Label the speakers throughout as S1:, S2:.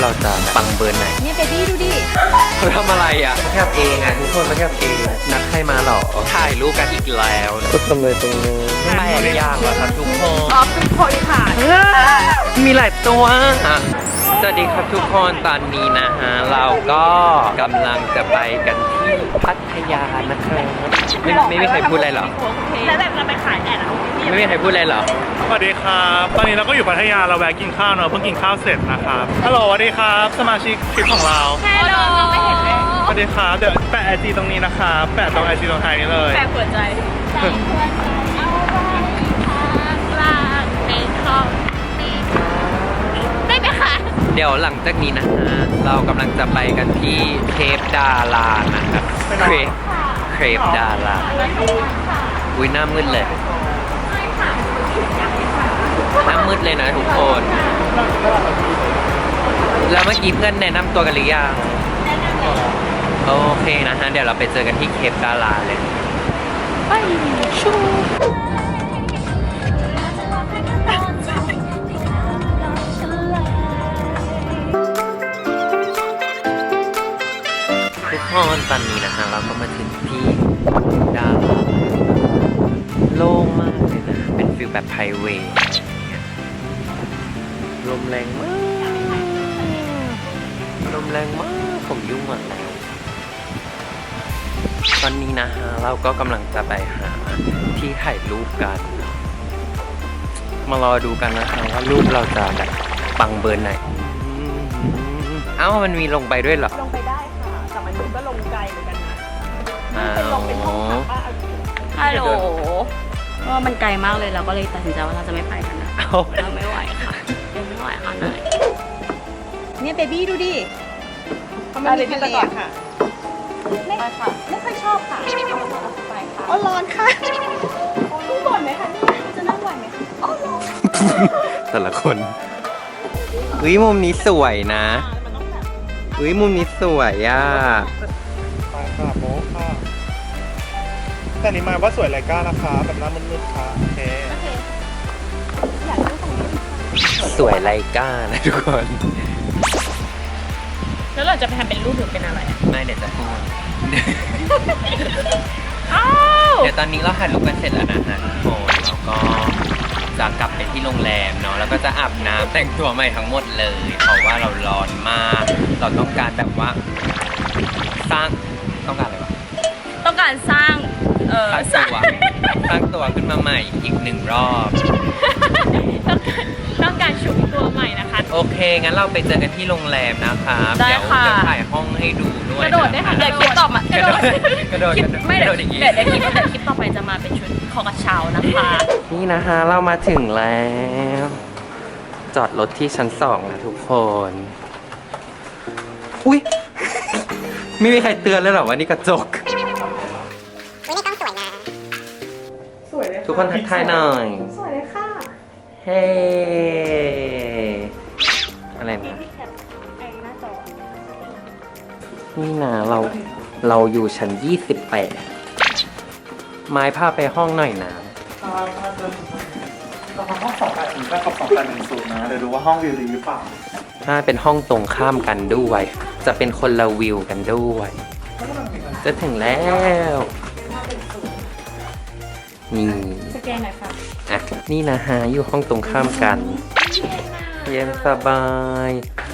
S1: เราจะปังเบอร์ไหน
S2: เนี่ยเบบี้ดูดิ
S1: เขาทำอะไรอ่ะแคบเองอ่ะทุกคนมาแคบเองนัดใครมาหรอถ่ายรูปกันอีกแล้วก็ทำเลยตรงนี้แปลกอย่างแล้วครับทุกคน
S2: อ๋อเป็นโพลิค่ะ
S1: มีหลายตัวสวัสดีครับทุกคนตอนนี้นะฮะเราก็กำลังจะไปกันที่พัทยานะครับไม่มีใครพูดอะไรหรอ
S2: แล้วแบบเราไปขายแอดอะ
S1: ไม่มีใครพูดอะไรหรอ
S3: สวัสดีครับตอนนี้เราก็อยู่พัทยาเราแวะกินข้าวเนอะเพิ่งกินข้าวเสร็จนะครับฮัลโหลสวัสดีครับสมาชิกทริปของเรา
S2: ฮัลโหลไม่เห็นเลย
S3: สวัสดีครับเดี๋ยวแปะไอจีตรงนี้นะครับแปะตรงไอจีตรงท้ายนี้เลย
S2: แปะหัวใจใส่หัวใจเอาไว้ข้างล่างในท้องได้ไหมคะ
S1: เดี๋ยวหลังจากนี้นะฮะเรากำลังจะไปกันที่เคปดารานะครับเคปดาราอุ้ยหน้ามืดเลยหน้ามืดเลยนะทุกคนแล้วเมื่อกี้เพื่อนแนะนำตัวกันหรือยังโอเคนะฮะเดี๋ยวเราไปเจอกันที่เคปดาราเลยไปชูทุกคนตอนนี้นะฮะเราก็มาถึงที่ดาราโล่งมากเลยนะเป็นฟิลแบบไพรเวทลมแรงมากลมแรงมากผมยุ่งอ่ะตอนนี้นะฮะเราก็กำลังจะไปหาที่ถ่ายรูปกันมารอดูกันนะฮะว่ารูปเราจะแบบปังเบอร์ไหนเอ้ามันมีลงไปด้วยเหรอ
S2: ลงไปได้ค่ะแต่มันก็ลงไกลเหมือนกันนะ
S1: เป็น
S2: ลงเป็นห้องพักฮัลโหลว่ามันไกลมากเลยเราก็เลยตัดสินใจว่าเราจะไม่ไปกันนะเราไม่ไหวค่ะไม่ไหวค่ะเนี่ยเบบี้ดูดิเขาไม่มีทะเลค่ะไม่ค่ะไม่ค่อยชอบค่ะไปค่ะอ๋อร้อนค่ะรู้บ่นไหมคะนี่จะนั่งไหวไหมคะอ๋อร้อน
S1: แต่ละคนมุมนี้สวยนะมุมนี้สวยอ่ะ
S3: ไปค่ะโบ๊ะค่ะแต่นี่มาว่าสวยไรก้านะคะแบบหน้ามืดๆค่ะโอเค
S2: อยากดูตรงนี้
S1: สวยไรก้านะทุกคน
S2: แล้วเราจะไปทำเป็นรูปหรือเป็นอะไรอ่ะ
S1: ไม่เดี๋ยวจะพูดเดี๋ยวตอนนี้เราถ่ายรูปกันเสร็จแล้วนะฮะทุกคนแล้วก็จะกลับไปที่โรงแรมเนาะแล้วก็จะอาบน้ำแต่งตัวใหม่ทั้งหมดเลยเพราะว่าเราร้อนมากเราต้องการแบบว่าต้องการอะไรวะ
S2: ต้องการสร้าง
S1: สร้างตัวขึ้นมาใหม่อีก1 รอบ
S2: ต้องการชุบตัวใหม่นะคะ
S1: โอเคงั้นเราไปเจอกันที่โรงแรมนะคะเดี๋ยวจะถ่ายห้องให้ดูด้วย
S2: กระโดดได้ค่ะเดี๋ยวคลิปต่อมากระโดดไม่เดี๋ยว
S1: อย่างงี้
S2: เดี๋ยวคลิปต่อไปจะมาเป็นชุดคอกระเช้านะคะ
S1: นี่นะคะเรามาถึงแล้วจอดรถที่ชั้น2นะทุกคนอุ้ยไม่มีใครเตือนเลยหรอว่านี่กระจก
S2: ไม่ต้องสวยนะสวยเลย
S1: ทุกคนทักทายหน่อย
S2: สวยเลยค่ะ
S1: เฮ้อะไรนะนี่นะเราอยู่ชั้น28ไม้พาไปห้องหน่อยนะ
S3: ห้อง28ก็กับ2810นะเดี๋ยวดูว่าห้องวิวดีหรือเปล่า
S1: ถ้าเป็นห้องตรงข้ามกันด้วยจะเป็นคนละวิวกันด้วยจะถึงแล้วนี่
S2: สแกนหน่อยค่ะ
S1: อ่ะนี่นะฮะอยู่ห้องตรงข้ามกันเย็นสบาย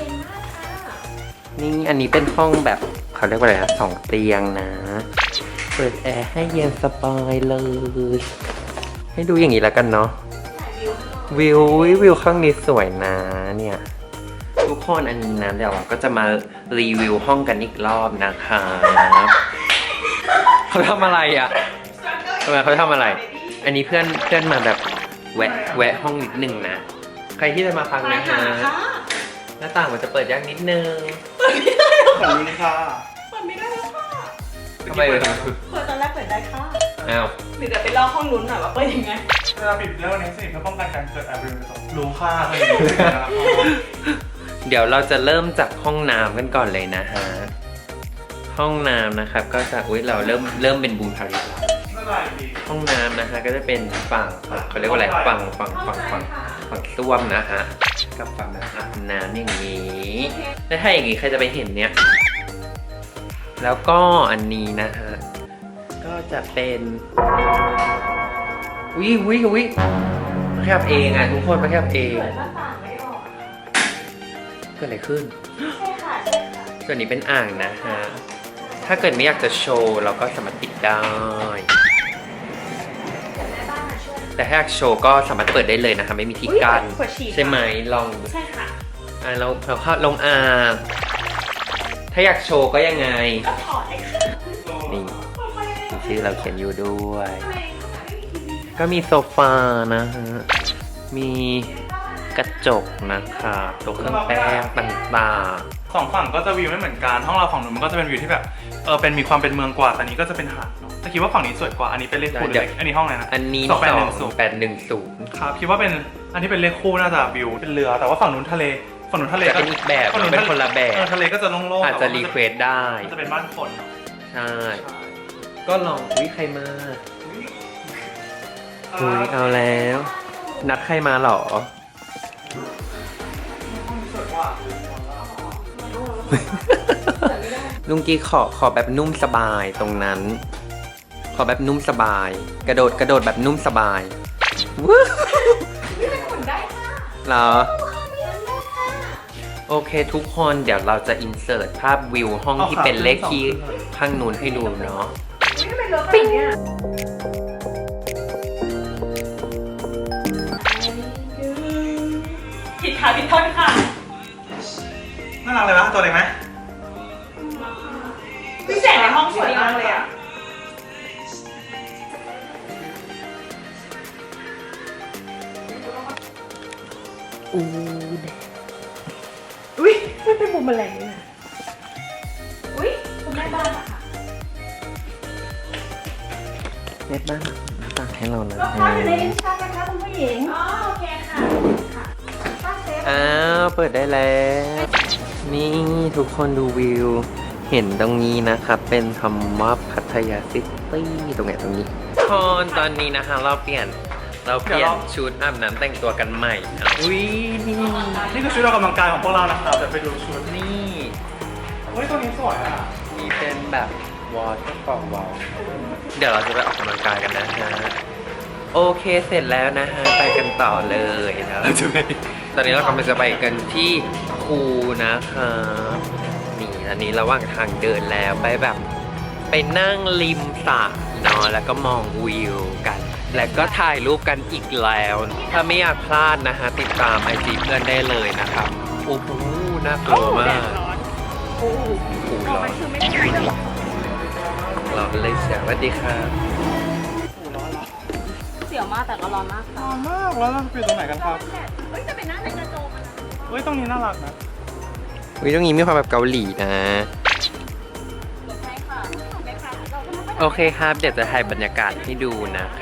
S1: นี่อันนี้เป็นห้องแบบเขาเรียกว่าอะไรนะ2 เตียงนะเปิดแอร์ให้เย็นสบายเลยให้ดูอย่างนี้แล้วกันเนาะวิวข้างนี้สวยนะเนี่ยทุกคนอันนี้นะเดี๋ยวเราก็จะมารีวิวห้องกันอีกรอบนะคะเขาทำอะไรอ่ะทำไมเขาทำอะไรอันนี้เพื่อนมาแบบแวะห้องนิดนึงนะใครที่จะมาฟังนะฮะหน้าต่างมันจะเปิดยากนิดนึง
S3: เปิดไม่ได้ค่ะ
S2: เปิดไม่ได้แล้วค่ะ
S1: ทำไมเลย
S2: เปิดตอนแรกเปิดได้ค่ะ
S1: อ้าว
S2: หรือจะไปลอกห้องนู้นหน่อยว่าเปิดยังไง
S3: เวลาปิดเรื่องนี้สิเพื่อป้องกันการเกิดแอร์บริเวณรู้ค่ะ
S1: เดี๋ยวเราจะเริ่มจากห้องน้ำกันก่อนเลยนะฮะห้องน้ำนะครับก็จะเราเริ่มเป็นบูทาริแล้วห้องน้ำนะฮะก็จะเป็นฝั่งเขาเรียกว่าอะไรฝั่งส้วมนะฮะกับฝั่งแบบอาบน้ำอย่างนี้แล้วถ้าอย่างงี้ใครจะไปเห็นเนี่ย แล้วก็อันนี้นะฮะ ก็จะเป็นวิมาแคบเองอ่ะทุกคนมาแคบเองเกิดอะไรขึ้น
S2: ใช่ค่ะใช่ค่ะ
S1: ส่วนนี้เป็นอ่างนะฮะ ถ้าเกิดไม่อยากจะโชว์เราก็สามารถปิดได้ แต่ถ้าอยากโชว์ก็สามารถเปิดได้เลยนะคะไม่มีที่กั้นใช่ไหมลอง
S2: ใช่ค่ะ
S1: เราเข้าลงอ่างถ้าอยากโชว์ก็ยังไง
S2: ก็ถอดเลยค่ะ
S1: นี่ชื่อเราเขียนอยู่ด้วย ก็มีโซฟานะฮะ มีกระจกนะคะตัวเครื่องแป้งต่าง
S3: สองฝั่งก็จะวิวไม่เหมือนกันห้องเราฝั่งนู้นมันก็จะเป็นวิวที่แบบเป็นมีความเป็นเมืองกว่าแต่นี้ก็จะเป็นหาดเนาะแต่คิดว่าฝั่งนี้สวยกว่าอันนี้เป็นเลขคู่หรือเลขอันนี้ห้องอะไรนะ
S1: ๆ อันนี้
S3: 2810ครับคิดว่าเป็นอันที่เป็นเลขคู่น่าจะวิวเป็นเรือแต่ว่าฝั่งนู้นทะเล
S1: จะเป็นอีกแบบ
S3: ฝั่ง
S1: เป็นคนละแบบ
S3: ทะเลก็จะโล่งๆ
S1: อาจจะรีเควสได้
S3: มันจะเป็นบ้านคนเนาะ
S1: ใช่ ก็ลองใครมาเอาแล้ว นัดใครมาเหรอ
S3: สวยกว่า
S1: ลุงกี้ขอแบบนุ่มสบายตรงนั้น ขอแบบนุ่มสบาย กระโดดแบบนุ่มสบายว้าว
S2: นี่เป็นหุ่นได้ค่ะ
S1: เหรอ
S2: มีอันได้ค่ะ
S1: โอเคทุกคนเดี๋ยวเราจะอินเสิร์ตภาพวิวห้องที่เป็นเลขที่ข้างนู้นให้ดูเนาะ
S2: ปิ้งเนี่ย ผิดค่ะผิดท่อนค่ะ
S3: น่ารักเลยวะตัวเล็กไหม
S2: พี่แสงในห้องสวยมากเลยอ่ะ
S1: อู้
S2: อุ้ยไม่เป็นบุมแมลงเลยนะอุ้ยคุณแม่บ้านอะค่ะ
S1: เน็ตบ้านหน้าต่างให้เรานะ
S2: รองเท้าอยู่ในลิ้นชักนะคะคุณผู้หญิง อ๋อโอเคค่ะค่ะป้าเซฟ
S1: อ้าวเปิดได้แล้ว นี่ทุกคนดูวิว เห็นตรงนี้นะครับ เป็นคำว่าพัทยาซิตี้ตรงไหนตรงนี้คนตอนนี้นะคะเราเปลี่ยนชุดอาบน้ำแต่งตัวกันใหม่นะอุ้ยนี่
S3: นี่คือชุดออกกำลังกายของพวกเรานะครับเดี๋ยวไปดูชุด
S1: นี่
S3: เฮ้ยตัวนี้สวยอ่ะ
S1: นี่เป็นแบบวอเตอร์ฟอลวอลเดี๋ยวเราจะไปออกกำลังกายกันนะฮะโอเคเสร็จแล้วนะฮะไปกันต่อเลยนะเราจะไปตอนนี้เรากำลังจะไปกันที่คูนะคะนี่อันนี้ระหว่างทางเดินแล้วไปแบบไปนั่งริมสระเนาะแล้วก็มองวิวกัน แล้วก็ถ่ายรูปกันอีกแล้ว ถ้าไม่อยากพลาดนะฮะติดตามไอจีเพื่อนได้เลยนะครับโอ้โหน่ากลัวมากโอ้โหร้อนร้อนเลยเสียสวัสดีครับ
S2: เสียวมากแต่ก็ร้อนมากค่ะ
S3: ร้อนมากแล้วเราไปอยู่ตรงไหนกันครับ
S2: เฮ้ยจะเป็นหน้าในกระโจมนะ
S3: เฮ้ยตรงนี้น่ารักนะ
S1: วิตรงนี้มีความแบบเกาหลีนะ
S2: ใช่ค่ะไม่ค่ะเราก็ไม่
S1: โอเคครับ เดี๋ยวจะถ่ายบรรยากาศให้ดูนะคะ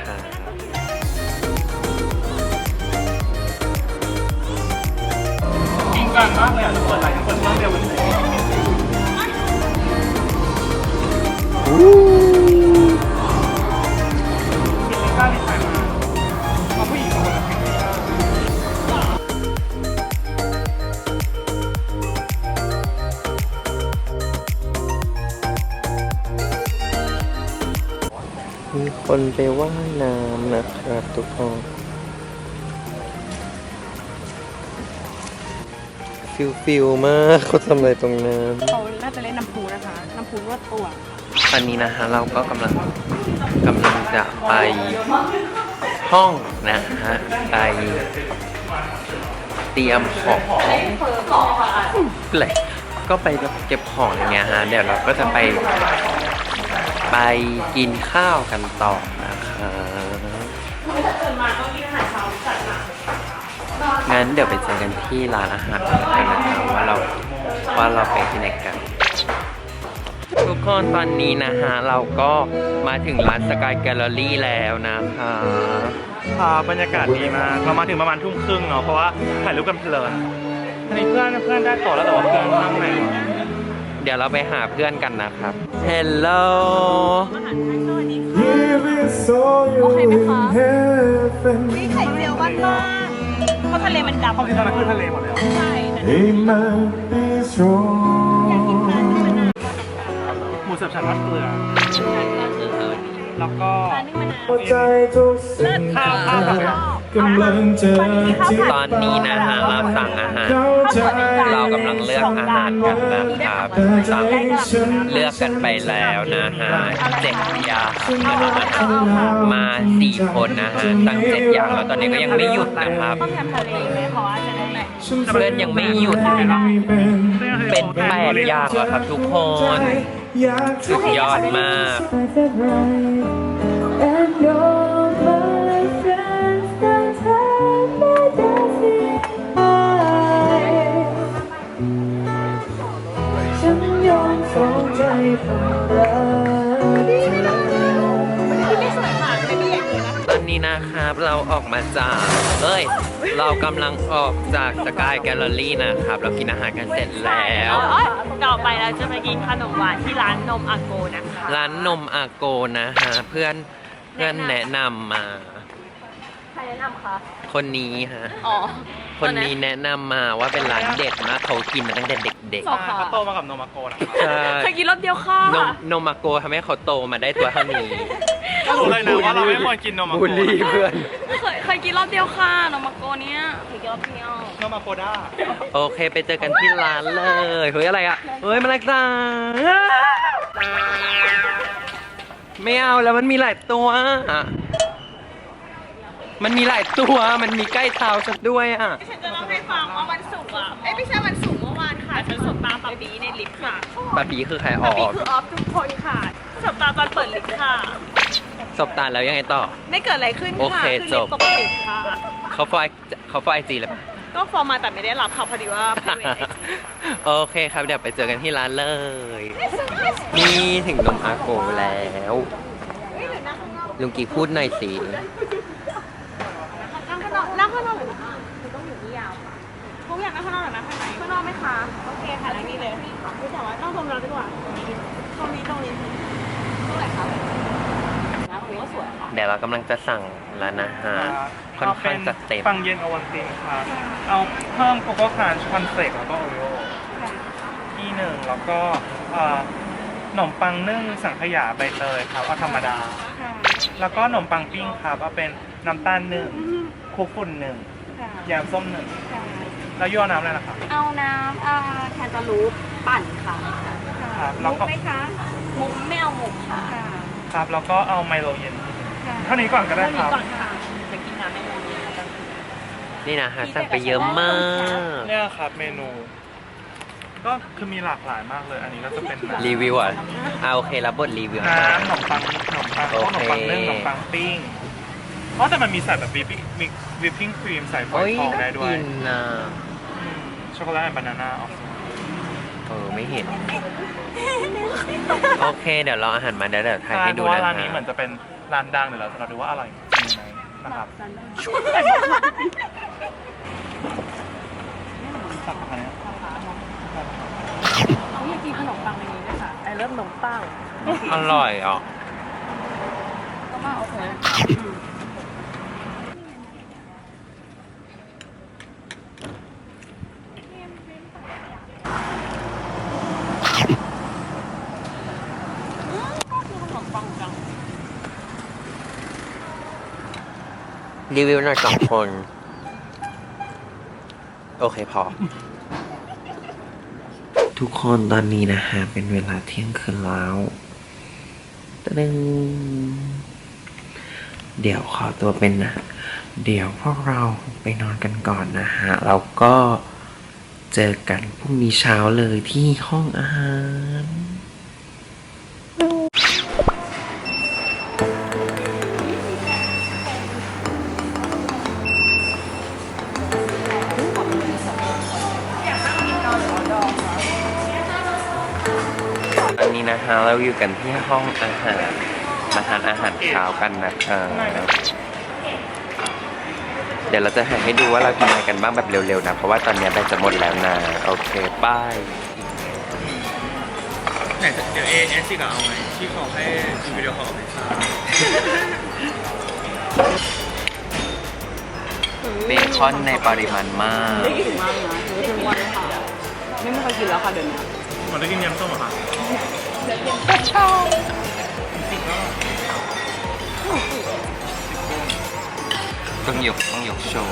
S3: จริงจังมากเลยอ่ะทุกคนหลายคนนั่งเดียวกันเลยมีลิซ่าในไทยมาผู้หญิงสองคนกับเพลงลิซ่า
S1: มีคนไปว่ายน้ำนะครับทุกคนฟิลมากเขาทำอะไรตรงนั้น
S2: เขาน่าจะเล่นน้ำพุนะคะ น้ำพุรวดตัว
S1: ตอนนี้นะฮะเราก็กำลังจะไปห้องนะฮะไปเตรียมของเลยก็ไปเก็บของอย่างเงี้ยฮะเดี๋ยวเราก็จะไปกินข้าวกันต่อนะคะงั้นเดี๋ยวไปเจอกันที่ร้านอาหารกันนะครับว่าเราไปที่ไหนกัน ทุกคนตอนนี้นะฮะเราก็มาถึงร้านสกายแกลเลอรี่แล้วนะคะ
S3: บรรยากาศดีมากเรามาถึงประมาณทุ่มครึ่งเนาะเพราะว่าถ่ายรูปกันเพลินอันนี้เพื่อนได้ต่อแล้วแต่ว่าเพื่อนนั่งไหนวะ
S1: เดี๋ยวเราไปหาเพื่อนกันนะครับ Hello
S2: โอเคไหมคะมีไข่เจียวบ้านๆเพราะทะเลมันดำ
S3: ห้องที่ตอนนั้นคือทะเลหมดเลยเหรอ
S2: ใช่แต่
S3: หมูสับฉันทอดเกลือแล้วก็
S4: ใจทุกสิ่ง
S3: ข้าวแบบ
S4: กำลังเจอที่
S1: ตอนนี้นะฮะเราสั่งอาหาร
S4: เข้าใจ
S1: เรากำลังเลือกอาหารกันนะครับสั่งเลือกกันไปแล้วนะฮะ7 อย่างมา4 คนนะฮะตั้ง7 อย่างแล้วตอนนี้ก็ยังไม่หยุดนะครับ
S2: ต้มยำทะเลไหมเพราะว่าจะได้ไหน
S1: เพื่อนยังไม่หยุดเป็น8 อย่างแล้วครับทุกคน สุดยอดมาก ตอนนี้นะครับเราออกมาจากเรากำลังออกจากสกายแกลเลอรี่นะครับ เรากินอาหารกันเสร็จแล้ว
S2: ต่อไปเราจะไปกินขนมหวานที่ร้านนมอาโกนะคะ
S1: ร้านนมอาโกนะฮะเพื่อนแนะนำมา
S2: ใครแนะนำคะ
S1: คนนี้ฮะ
S2: อ๋อ
S1: คนนี้แนะนำมาว่าเป็นร้านเด็ดมากเขากินมาตั้งแต่เด็ก
S3: เขาโตมากับโนมาโกนะครับ
S1: ๆใช่
S2: เคยกินรอบเดียวค่ะ
S1: นมอาโกทำให้เขาโตมาได้ตัวเท่านี้
S3: ก็รู้เลยนะว่าเราไม่ควรกินโนมาโก
S1: บูลลี่เพื่อน
S2: เคยกินรอบเดียวค่ะนมอาโกเนี้ยเคยกินรอบเดียว
S3: โนมาโกด้า
S1: โอเคไปเจอกันที่ร้านเลยเฮ้ยอะไรอ่ะเฮ้ยมาเลยจ้าไม่เอาแล้วมันมีหลายตัวอะมันมีหลายตัวมันมีใกล้เท้าฉันด้วยอ่ะ
S2: ฉันจะเล่าให้ฟังว่าวันศุกร์อ่ะไม่ใช่วันศุกร์เมื่อวานค่ะฉันสบตาปับบีในลิฟต์ค่ะ
S1: ปาปีคือใครอ
S2: ปั
S1: อบ
S2: บี
S1: ก
S2: คือออฟทุกคนค่ะสบตาตอนเปิดลิฟต์ค่ะ
S1: สบตาแล้วยังไงต่อ
S2: ไม่เกิดอะไรขึ้น
S1: โอ
S2: ค่ะ
S1: เค
S2: คือ
S1: จ
S2: ลิ
S1: บ
S2: ฟต์ปกติค่ะ
S1: เขาฟอไอจีเลยปะ
S2: ก็ฟอร์มมาแต่ไม่ได้รับค่ะพอดีว่า
S1: โอเคครับเดี๋ยวไปเจอกันที่ร้านเลย นี่ถึงนมอาโกแล้ว ลุงกีพูดหน่อยสิ
S2: นั่งข้างนอกหรือคือต้องอยู่ที่ยาวเขาอยากนั่งข้างนอกหรือนั่งข้างในข้างนอกไหมคะโอเคค่ะนั่งนี่เลยไม่แต่ว่าต้องตรงนั้นดีกว่าตรงนี้ตรงไหนคะนะตรงนี้ก็สวยค่ะ
S1: เดี๋ยวเรากำลังจะสั่งร้านอาหารค่อนข้างจะเต็ม
S3: ปังเย็นโอวัลตินครับเอาเพิ่มโกโก้ครันช์คอนเฟลกแล้วก็โอริโอที่หนึ่งแล้วก็ขนมปังนึ่งสังขยาใบเตยครับเอาธรรมดา แล้วก็ขนมปังปิ้งครับเอาเป็นน้ำตาล1คุกฝุ่น1ยำส้ม1แล้วยั่วน้ำเลยนะครับ
S2: เอาน้ำแคนตาลูปปั่นค่ะ
S3: ครับแล้วก็
S2: มุกไหมคะมุกไม่เอามุกค่ะ
S3: ครับแล้วก็เอาไมโลเย็นเท่านี้ก่อนก็ได้ครับ
S2: ก่อนค่ะจะกินน้ำไม่รู้
S1: นี่นะฮะสั่งไปเยอะมาก
S3: เนี่ยครับเมนู ก็คือมีหลากหลายมากเลย อันนี้ก็จะเป็น
S1: รีวิวอ่ะโอเครับบทรีวิว
S3: น้ำขนมปังขนมปัง
S1: โอ
S3: ขน
S1: เค
S3: มปังนึ่งขนมปังปิ้งอ๋อแต่มันมีใส่แบบวิปปิ้งครีมใส่ฝอย
S1: โอ้ย
S3: ทอง
S1: น่า
S3: ได้ด้วย
S1: กินนะ
S3: ช็อกโกแลตแอนด์บานาน่า
S1: ไม่เห็น โอเคเดี๋ยวรออาหารมาเดี๋ยวถ่าย
S3: ใช่
S1: ให้
S3: เพ
S1: ดู
S3: ราะว่า
S1: นะ
S3: ร้านนี้
S1: ฮะ
S3: เหมือนจะเป็นร้านดังเดี๋ยวเราดูว่าอร่อยจริงไหมนะครับสั่งอะไรนะ
S2: เขาอยากกินขนมปังในนี้ด้วยค่ะไอเริ่มขนมปัง
S1: อร่อยอ่ะ
S2: ก็มาโอเค
S1: รีวิวหน่อย2 คน โอเคพอ ทุกคนตอนนี้นะฮะเป็นเวลาเที่ยงคืนแล้วตึ้งเดี๋ยวขอตัวเป็นนะ เดี๋ยวพวกเราไปนอนกันก่อนนะฮะแล้วก็เจอกันพรุ่งนี้เช้าเลยที่ห้องอาหารตอนนี้นะฮะเราอยู่กันที่ห้องอาหารมาทานอาหารเช้ากันนะครับเดี๋ยวเราจะให้ดูว่าเรากินอะไรกันบ้างแบบเร็วๆนะเพราะว่าตอนนี้แบตจะหมดแล้วนะโอเคป้าย
S3: ไหนเดี๋ยวเอซิกเอาไหมที่เขาให้ดูวิดีโอเขาเอาไปทราบ
S1: เบคอนในปริมาณมาก
S2: ได้ถึงมากเลยนะถือว่าเป็นวันเลยค่ะไม่เคยกินแล้วค่ะเดี๋ยวนี้
S3: เหมือนได้กินยำส้มเหรอคะ
S1: ต้องยกโชว์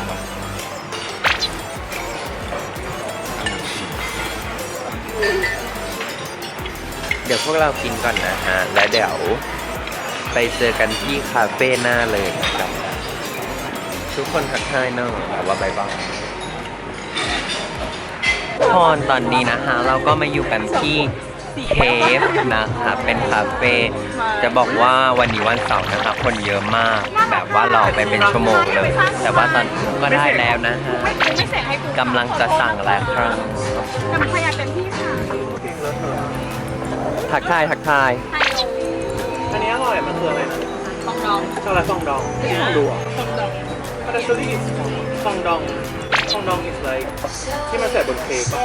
S1: เดี๋ยวพวกเรากินก่อนนะฮะ แล้วเดี๋ยวไปเจอกันที่คาเฟ่หน้าเลยนะครับ ทุกคนทักทายเนอะแต่ว่าบายบายตอนนี้นะฮะ เราก็มาอยู่กันที่เคฟนะครับ เป็นคาเฟ่จะบอกว่าวันนี้วันเสาร์นะครับคนเยอะมาก แบบว่ารอไปเป็นชั่วโมงเลย แต่ว่าตอนนี้ก็ได้แล้วนะฮะกำลังจะสั่งแล้วครับ
S2: แต่มันขยันเต็มที่ค่ะ
S1: ทักทาย
S3: อันนี้อร่อยมันคืออะไรนะ
S2: ฟองดอง
S3: ช็อกโกแลตฟองดองไม่ใช่ฟองดูอ่ะฟองดองมันจะซื้อที่ฟองดองis like ที่มันใส่บนเค้กอะ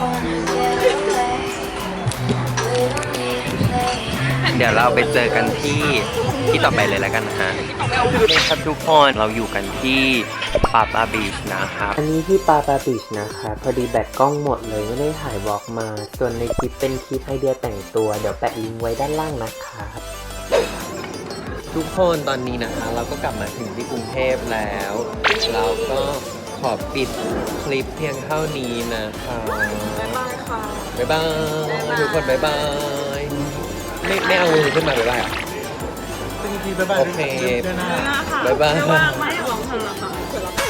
S1: เดี๋ยวเราไปเจอกันที่ต่อไปเลยแล้วกันนะฮะนี่ครับทุกคนเราอยู่กันที่ปาปาบีชนะครับ
S5: อันนี้ที่ปาปาบีชนะคะพอดีแบตกล้องหมดเลยไม่ได้ถ่ายบล็อกมา ส่วนในคลิปเป็นคลิปไอเดียแต่งตัว เดี๋ยวแปะลิงก์ไว้ด้านล่างนะครับ
S1: ทุกคนตอนนี้นะคะเราก็กลับมาถึงที่กรุงเทพแล้ว เราก็ขอปิดคลิปเพียงเท่านี้นะคะบ๊ายบายค่ะบ๊ายบายทุกคนบ๊ายบายไม่เอามือขึ้นมาบ๊ายบายอ่ะ
S3: จริงๆบ๊ายบาย
S1: โอเค
S3: ด้วยนะ
S1: บ๊ายบาย
S2: ไม่ว่างไม่ให้ลองทำละค่ะ